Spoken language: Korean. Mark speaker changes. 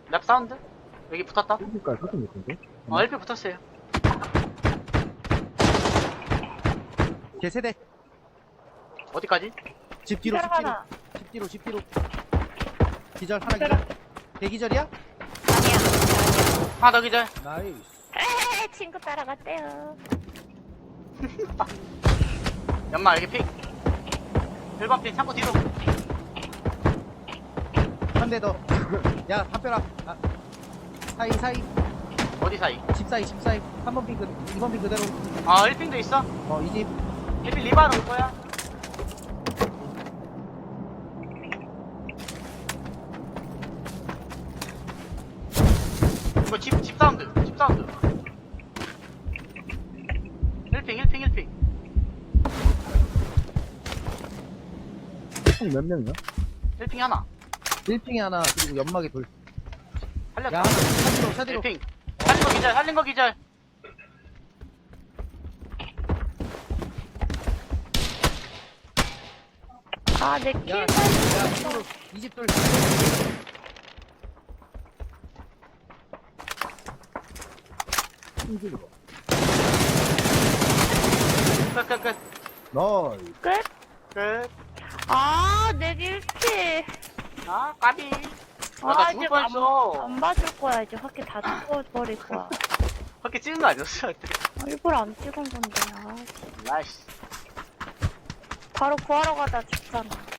Speaker 1: 랩 사운드? 여기 붙었다.
Speaker 2: 일까지 사진 있던데?
Speaker 1: LP 붙었어요.
Speaker 2: 개세대.
Speaker 1: 어디까지?
Speaker 2: 집 뒤로,
Speaker 3: 기절
Speaker 2: 집 뒤로.
Speaker 3: 하나.
Speaker 2: 집 뒤로, 집 뒤로. 기절, 하나 기절. 대기절이야?
Speaker 3: 아니야.
Speaker 1: 하나 더 기절.
Speaker 2: 나이스.
Speaker 3: 에헤, 친구 따라갔대요.
Speaker 1: 연마 여기 픽. 1번 픽 창고 뒤로.
Speaker 2: 한 대 더. 야, 담벼라. 아, 사이.
Speaker 1: 어디 사이?
Speaker 2: 집 사이. 3번 핑 2번 핑 그대로.
Speaker 1: 1핑도 있어.
Speaker 2: 이 집.
Speaker 1: 1핑 리바로 올 거야. 이거 집 사운드. 1핑.
Speaker 2: 총 몇 명이야?
Speaker 1: 1핑 하나.
Speaker 2: 1핑에 하나, 그리고 연막에 돌.
Speaker 1: 살렸다.
Speaker 2: 야, 차디로.
Speaker 1: 1핑. 살린 거 기절.
Speaker 3: 아, 내
Speaker 2: 야,
Speaker 3: 킬만.
Speaker 2: 이쪽으로. 이집 돌.
Speaker 1: 끝.
Speaker 2: 나이스.
Speaker 3: 끝?
Speaker 1: 끝.
Speaker 3: 아, 내 킬치.
Speaker 1: 까비. 나 죽을 뻔했어.
Speaker 3: 안 봐줄 거야. 이제 확히 다 죽어버릴 거야.
Speaker 1: 그렇게 찍은 거 아니었어?
Speaker 3: 일부러 안 찍은 건데. 아,
Speaker 1: 나이스.
Speaker 3: 바로 구하러 가다 죽잖아.